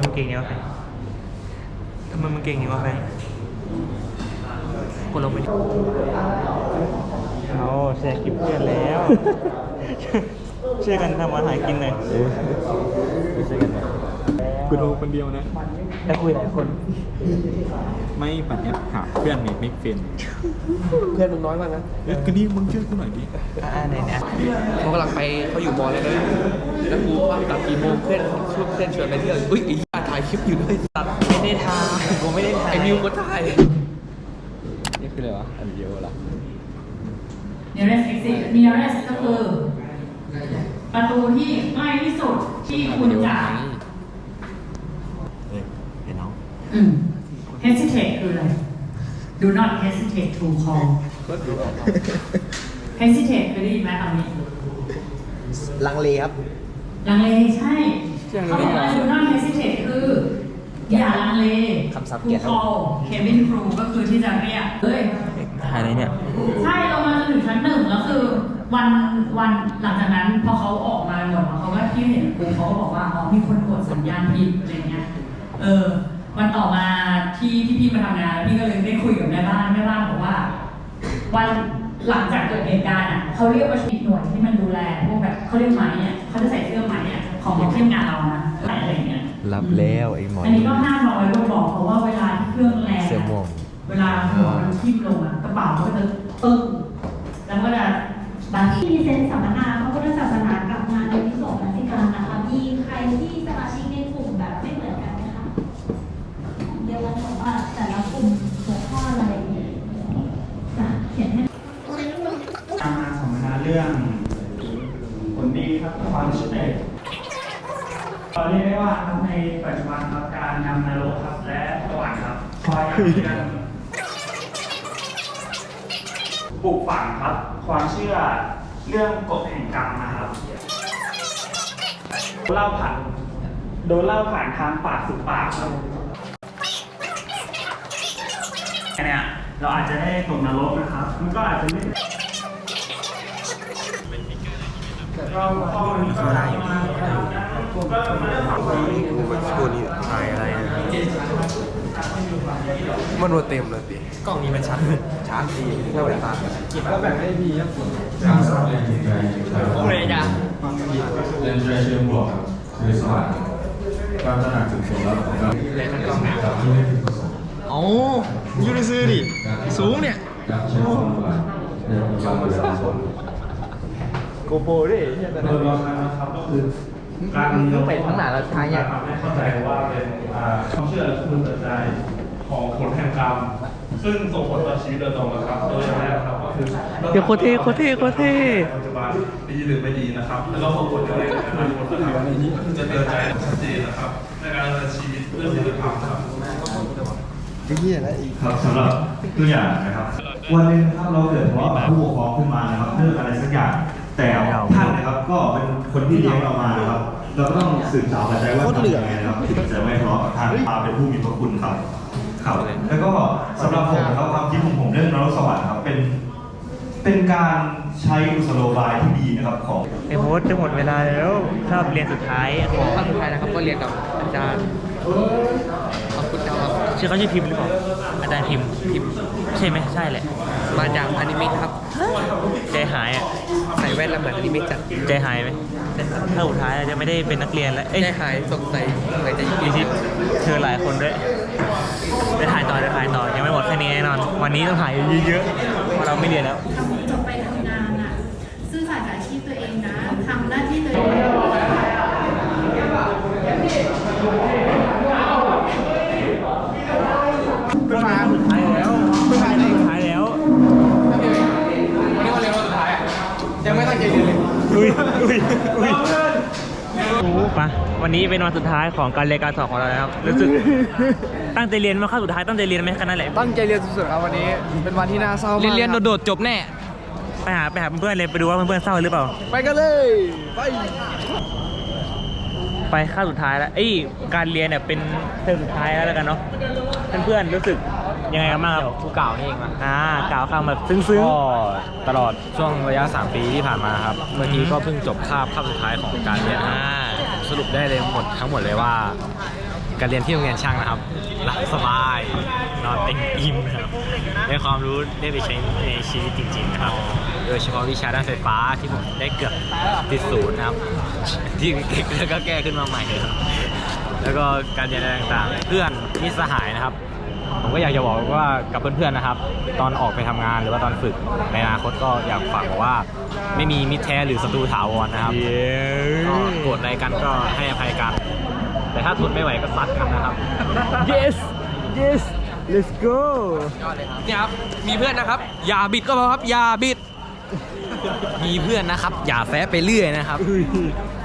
มันเก่งเนี่ยวะแฟนทำไมมันเก่งเนี่ยวะแฟนกดลงไปดิเอาแชร์คลิปเพื่อนแล้วช่วยกันทำอาหารกินหน่อยช่วยกันนะกูดูคนเดียวนะแล้วคุยหลายคนไม่ปั่นแอปหาเพื่อนเมกเฟนเพื่อนมึงน้อยมากนะก็นี่มึงช่วยกูหน่อยดิไหนเนี่ยเขากำลังไปเขาอยู่มอแล้วนะแล้วกูว่ากลับกี่โมงเพื่อนชวนไปเที่ยวอุ้ยไอ้ถ่ายคลิปอยู่ด้วยตัดไม่ได้ทายกูไม่ได้ถ่ายไอ้มิวก็ถ่ายนี่คืออะไรวะอันเดียวเหรอ nearest exit nearest ก็คือประตูที่ใกล้ที่สุดที่คุณจะเห็นน้อง hesitate คืออะไร do not hesitate to call hesitate เคยได้ยินไหมคำนี้ลังเลครับลังเลใช่เขาบอกว่า do not hesitate คืออย่าลังเล to call cabin crew ก็คือที่จะเรียกถ่ายอะไรเนี่ยใช่เรามาจนถึงชั้น 1แล้วคือวันหลังจากนั้นพอเขาออกมาหมดเขาก็ที่เห็นกูเขาก็บอกว่าอ๋อมีคนกดสัญญาณผิดอะไรเงี้ยวันต่อมาที่พี่มาทำงานพี่ก็เลยได้คุยกับแม่บ้านบอกว่าวันหลังจากเกิดเหตุการณ์เขาเรียกว่าชุดหน่วยที่มันดูแลพวกแบบเขาเรียกไหมเขาจะใส่เสื้อไหมของทีมงานเรานะอะไรเงี้ยรับแล้วไอ้หมออันนี้ก็500ก็บอกเพราะว่าเวลาที่เครื่องแรงเวลาหัวมันทิ่มลงกระเป๋ามันก็จะตึ้งแล้วก็จะบางที่มีเซนสัมมนาพระพุทธศาสนากับงานในวิโสมนสิการนะคะมีใครที่สมาชิกในกลุ่มแบบไม่เหมือนกันไหมคะเดี๋ยวเราบอกว่าแต่ละกลุ่มหัวข้ออะไรจะเขียนให้สัมมนาเรื่องผลดีครับความสำเร็จเราเรียกได้ว่าในปัจจุบันครับการนำนรกครับและสวรรค์ครับคอยนำเรื่องปลูกฝังครับความเชื่อเรื่องกฎแห่งกรรมนะครับโดนเล่าผ่านทางปากสู่ปากครับเนี่ยเราอาจจะได้ตกนรกนะครับมันก็อาจจะไม่เราก็ได้อยู่ผมก็มาเรื่องของตัวนี้ถ่ายอะไรมันวัวเต็มเลยดิกล้องนี้มันชัดดีถ้าแบบก็แบบให้พีครับโอ้ยจ้ะเล่นใจเชื่อมบวกคือสวัสดิ์การตระหนักถึงผลลัพธ์ของการเล่นกล้องเนี่ยอ๋อยูนิซื้อดิสูงเนี่ยการใช้ความหวังในการเรียนรู้โกโปรดิโดยรวมนะครับก็คือการไปทั้งหนาแล้วท้ายเนี่ยเข้าใจว่าเป็นความเชื่อและความตัดใจของผลแห่งกรรมซึ่งส่งผลต่อชีวิตโดยตรงนะครับโดยแรกครับก็คือเดี๋ยวโคเท่ปัจจุบันดีหรือไม่ดีนะครับแล้วก็ส่งผลอะไรในอนาคตนะครับจะเตือนใจชัดเจนนะครับในการดำเนินชีวิตเพื่อศีลธรรมครับครับสำหรับตัวอย่างนะครับวันนึงครับเราเกิดทะเลาะกับผู้ปกครองขึ้นมานะครับเรื่องอะไรสักอย่างแต่ท่านนะครับก็เป็นคนที่เลี้ยงเรามานะครับเราก็ต้องสืบสาวกันใจว่าทำยังไงนะครับถึงจะไม่ทะเลาะกับท่านมาเป็นผู้มีพระคุณครับแล้วก็สำหรับผมนะครับความคิดของผมเรื่องนรกสวรรค์ครับเป็นการใช้กุศโลบายที่ดีนะครับของไอ้โฮสจะหมดเวลาแล้วคาบเรียนสุดท้ายของคาบสุดท้ายนะครับก็เรียนกับอาจารย์ขอบคุณครับชื่อเขาชื่อพิมพ์หรือเปล่าอาจารย์พิมพ์ใช่ไหมใช่แหละมาจากอนิเมะครับใจหายอ่ะใส่แว่นแล้วเหมือนอนิเมะจัดใจหายไหมถ้าสุดท้ายจะไม่ได้เป็นนักเรียนแล้วใจหายสงสัยจะยินดีเธอหลายคนด้วยได้ถ่ายต่อยังไม่หมดแค่นี้แน่นอนวันนี้ต้องถ่ายเยอะๆเพราะเราไม่เรียนแล้วจบไปทำงานอ่ะซื่อสัตย์กับอาชีพตัวเองนะทำหน้าที่ตัวเองสุดท้ายแล้ววันนี้วันเรียนวันสุดท้ายยังไม่ตั้งใจเรียนเลยปะวันนี้เป็นวันสุดท้ายของการเรียนการสอนของเราแล้วรู้สึกตั้งใจเรียนมาเข้าสุดท้ายตั้งใจเรียนไหมแค่นั้นแหละตั้งใจเรียนสุดๆครับวันนี้เป็นวันที่น่าเศร้ามากเรียนโดดๆจบแน่ไปหาเพื่อนเลยไปดูว่าเพื่อนเศร้าหรือเปล่าไปกันเลยไปเข้าสุดท้ายแล้วการเรียนเนี่ยเป็นเทอมสุดท้ายแล้วกันเนาะเพื่อนรู้สึกยังไงกันบ้างครับผู้กล่าวนี่เองมั้ยกล่าวคำแบบซึ้งๆก็ตลอดช่วงระยะ3ปีที่ผ่านมาครับเมื่อกี้ก็เพิ่งจบคาบสุดท้ายของการเรียนสรุปได้เลยทั้งหมดเลยว่าการเรียนที่โรงเรียนช่างนะครับหลับสบายนอนเต็มอิ่มครับได้ความรู้ได้ไปใช้ในชีวิตจริงๆนะครับโดยเฉพาะวิชาด้านไฟฟ้าที่ผมได้เกือบติดศูนย์นะครับที่เก่งแล้วก็แก้ขึ้นมาใหม่ครับแล้วก็การเรียนอะไรต่างๆเพื่อนมิตรสหายนะครับผมก็อยากจะบอกว่ากับเพื่อนๆนะครับตอนออกไปทำงานหรือว่าตอนฝึกในอนาคตก็อยากฝากบอกว่าไม่มีมิตรแท้หรือศัตรูถาวรนะครับก็โกรธอะไรกันก็ให้อภัยกันแต่ถ้าทนไม่ไหวก็ซัดกันนะครับ yes yes let's go เนี่ยครับมีเพื่อนนะครับอย่าบิดก็พอครับอย่าบิดมีเพื่อนนะครับอย่าแฟะไปเรื่อยนะครับ